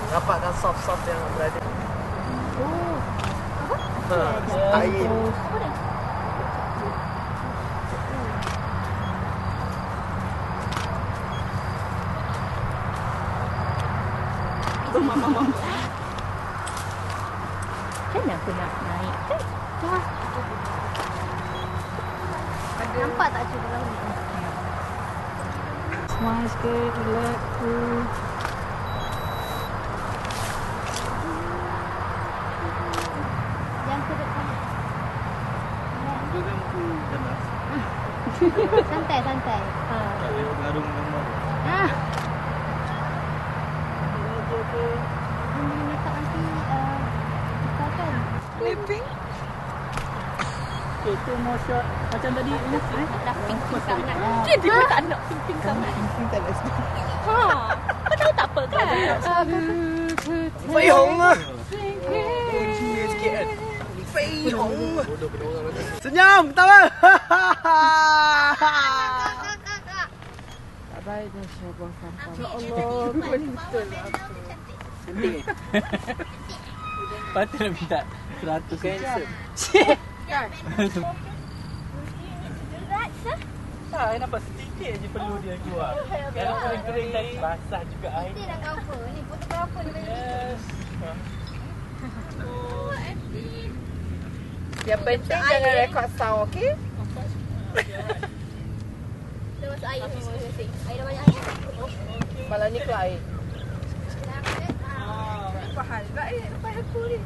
Dapatkan soft-soft yang berada. Oh. Air. Macam mana aku nak naik kan? Nampak tak cuba dalam ni? Smile sikit, relax. Yang ke depan. Itu kan aku ganas. Santai, santai. Tak boleh garung gambar. Ah. Okey. Ini makeup nanti tukar kan? Clipping. Okay, tu more shot. Macam tadi ini Dah pink sangat. dia tak nak pink sangat. Pink tak nak sedap. Ha. Kau tahu tak apa kan? Fei Hong ah. Uji sikit kan. Fei Hong. Bodoh kena orang nanti. Senyum, ketawa. Tak baik dah saya buang sampah. Ya Allah, betul lah. Cantik. Patutlah minta 100 Handsome. Tak, nampak sedikit je perlu dia keluar. Kalau kering-kering tadi basah juga air. Nanti dah cover ni, fotografer ni. Yes. Yang penting jangan rekod sound, okey? Dah masuk air semua. Air dah banyak air. Malam ni keluar air. Fahal juga lepas aku ni.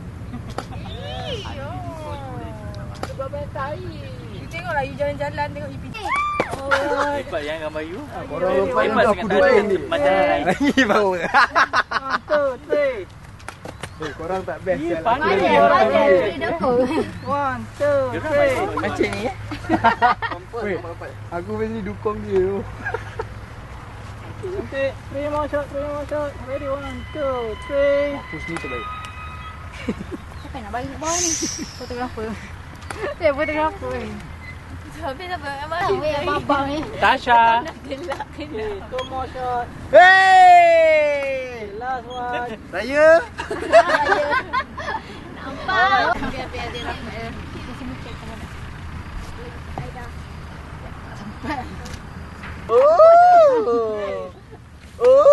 Sebab banyak air. You tengoklah, you jalan-jalan tengok you pergi. Hebat yang gambar you. Orang lupa Hebat aku sangat duduk ada ni. macam lain. Lagi bau. Tu, three. Korang tak best Ya, jalan. pandai. Ada di dapur. 1, 2, 3. Macam ni eh. Weh, aku mesti dukung dia tu. Cantik. 3 more shot, 3 more shot. Ready, 1, 2, 3. Push ni terbaik. Siapa nak bagi bawah ni? Fotografer. Dia fotografer. Habis apa? Tahu yang babang ni. Tasha. Gelak kena. 2 more shot. Hey! Last one. Saya. Nampak? Biar dia rapat. Kita semua check sama nak. Aida. Oh. Oh.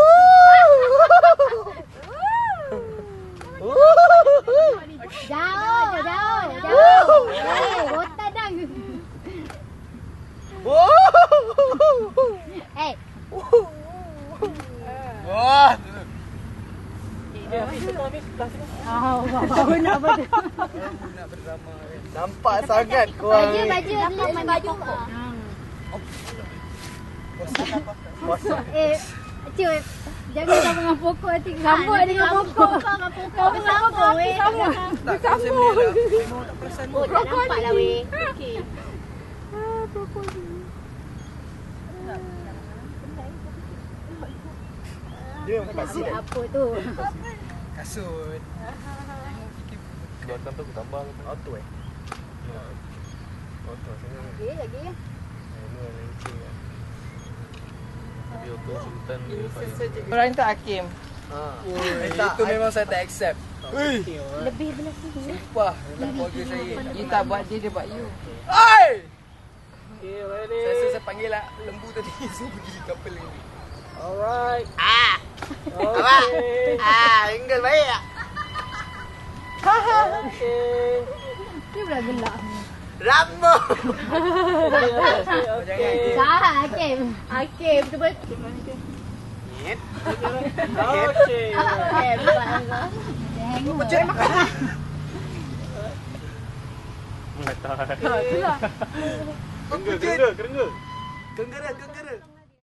Jauh, jauh. Eh, rotan dah. Eh. Wah. Baru nak apa tu? Nampak sangat korang ni. Baju pokok. Cuy, jangan sama dengan pokok nanti. Sambut dengan pokok. Kau dengan pokok weh. Tak sambut. Memang tak perasan. Oh, tak nampak lah weh. Okey. Dia memang kasih dah. Apa tu? Kasut. Belakang tu aku tambah ke? Auto eh? Auto. Lagi. Ini yang leceh lah. Tapi auto sultan dia paling. Orang tu Hakim. Itu memang saya tak accept. Lebih belah sini. Wah, dalam keluarga saya. You tak buat dia, dia buat you. Oi! Okay, ready. Saya rasa saya panggil lah lembu tadi suruh pergi kapal ni. Alright. Okay. Enggak baik tak? Okay. Dia pula gelak. Rambut! Okay. Salah Hakim. Hakim betul-betul. Hit. Okay. Hakim Macam makan. Mata. Itulah. Kerengga. Kenggara.